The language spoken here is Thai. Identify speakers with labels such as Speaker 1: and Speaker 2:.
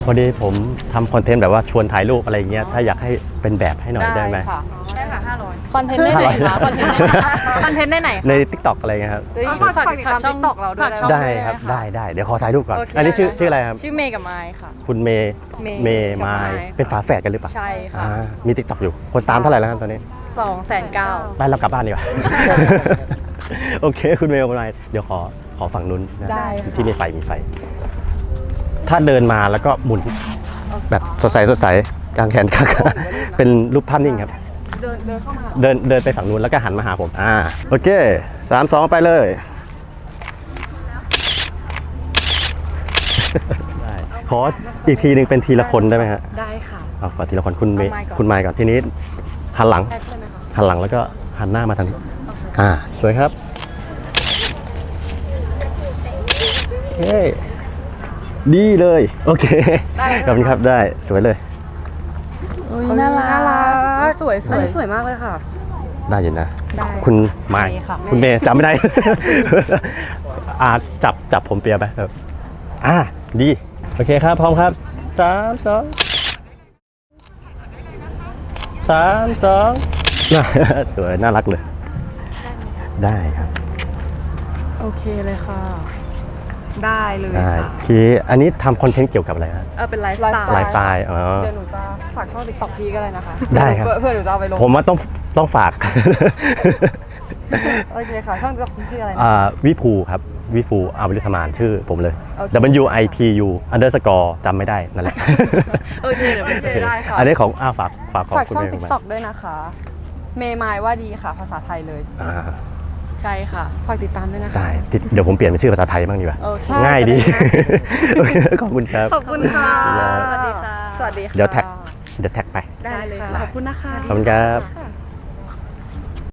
Speaker 1: พอดีผมทำคอนเทนต์แบบว่าชวนถ่ายรูปอะไรเงี้ยถ้าอยากให้เป็นแบบให้หน่อยได้ไหม
Speaker 2: ได้ค่ะ500
Speaker 3: คอนเทนต์ได้ไหนคะคอนเทนต์คอนเทนต์ได้ไหน
Speaker 1: ใน TikTok อะไรเงี้ยครับ
Speaker 2: ฝากติดตาม TikTok เราด้วย
Speaker 1: ได้ครับได้เดี๋ยวขอถ่ายรูปก่อนอันนี้ชื่ออะไรครับ
Speaker 3: ชื่อเมย์กับไมค์ค่ะ
Speaker 1: คุณเมย์
Speaker 3: เมย์กับ
Speaker 1: ไม
Speaker 3: ไมค์
Speaker 1: ค์เป็นฝาแฝดกันหรือเปล่า
Speaker 3: ใช่ค่ะ
Speaker 1: มี TikTok อยู่คนตามเท่าไหร่แล้วครับตอนนี้
Speaker 3: 209,000
Speaker 1: ไปเรากลับบ้านดีกว่า โอเคคุณเมย์คุณไมค์เดี๋ยวขอฝั่งนู้นนะ
Speaker 3: ได้ค่ะ
Speaker 1: ที่มีไฟถ้าเดินมาแล้วก็หมุนแบบสดใสกลางแขนข้างเป็นรูปภาพนิ่งครับเดินเข้ามาเดินไปฝั่งนู้นแล้วก็หันมาหาผมโอเค3-2ไปเลยได้ขออีกทีหนึ่งเป็นทีละคนได้ไหมฮะ
Speaker 3: ได้ค่ะ
Speaker 1: เอาขอทีละคนคุณเมย์
Speaker 3: เอาไมค์ก่อน
Speaker 1: คุณไมค์ก่อนทีนี้หันหลังแล้วก็หันหน้ามาทางนี้สวยครับโอเคดีเลยโอเคขอบคุณครับได้สวยเลย
Speaker 3: น่ารักสวย
Speaker 2: อันนี้สวยมากเลยค่ะ
Speaker 1: ได้อยู่นะ
Speaker 3: ได้
Speaker 1: คุณไมค์
Speaker 3: เมย์ค่ะ
Speaker 1: คุณเมย์จำไม่ได้ จับผมเปียไปแบบดีโอเคครับพร้อมครับ3-2 สวยน่ารักเลย ได้ครับ
Speaker 2: โอเคเลยค่ะ ได้เลย
Speaker 1: ได้
Speaker 2: ค่ะ
Speaker 1: ทีอันนี้ทำคอนเทนต์เกี่ยวกับอะไรครับ
Speaker 2: เป็นไลฟ์สไตล์
Speaker 1: ไลฟ์สไตล์อ๋อ
Speaker 2: เดี๋ยวหนูจะฝากช่อง TikTok พี่ก็เลยนะคะ
Speaker 1: ได้ครับ
Speaker 2: เพื่อหนูจะเอาไปลง
Speaker 1: ผมว่าต้องฝาก
Speaker 2: โอเคค่ะช่อง TikTok ชื่ออะไรนะ
Speaker 1: วิภูครับวิภูอาวิรุธมานชื่อผมเลย
Speaker 2: โอเค
Speaker 1: WIPU _ จำไม่ได้นั่นแหละ
Speaker 2: โอเคเดี๋ยวไปเจอได้ค่ะ
Speaker 1: อันนี้ของฝากของ
Speaker 2: ฝาก
Speaker 1: คุณ
Speaker 2: ช่อง
Speaker 1: เมย์
Speaker 2: TikTok ด้วยนะคะ เมย์มายว่าดีค่ะ ภาษาไทยเลย
Speaker 3: ใช่ค่ะ
Speaker 2: ฝากติดตามด้วยนะคะ
Speaker 1: ได้เดี๋ยวผมเปลี่ยนเป็นชื่อภาษาไทยบ้างดีกว่า
Speaker 2: โอเค
Speaker 1: ง่ายดี
Speaker 2: จะได้
Speaker 1: โอเคขอบคุณครับ
Speaker 2: ขอบคุณค่ะ
Speaker 1: ได้
Speaker 3: สวัสดีค่ะ
Speaker 2: สวัสดีค่ะ
Speaker 1: เดี๋ยวแท็กไป
Speaker 2: ได้เลยค่ะ ขอบคุณนะคะ
Speaker 1: ขอบคุณครับ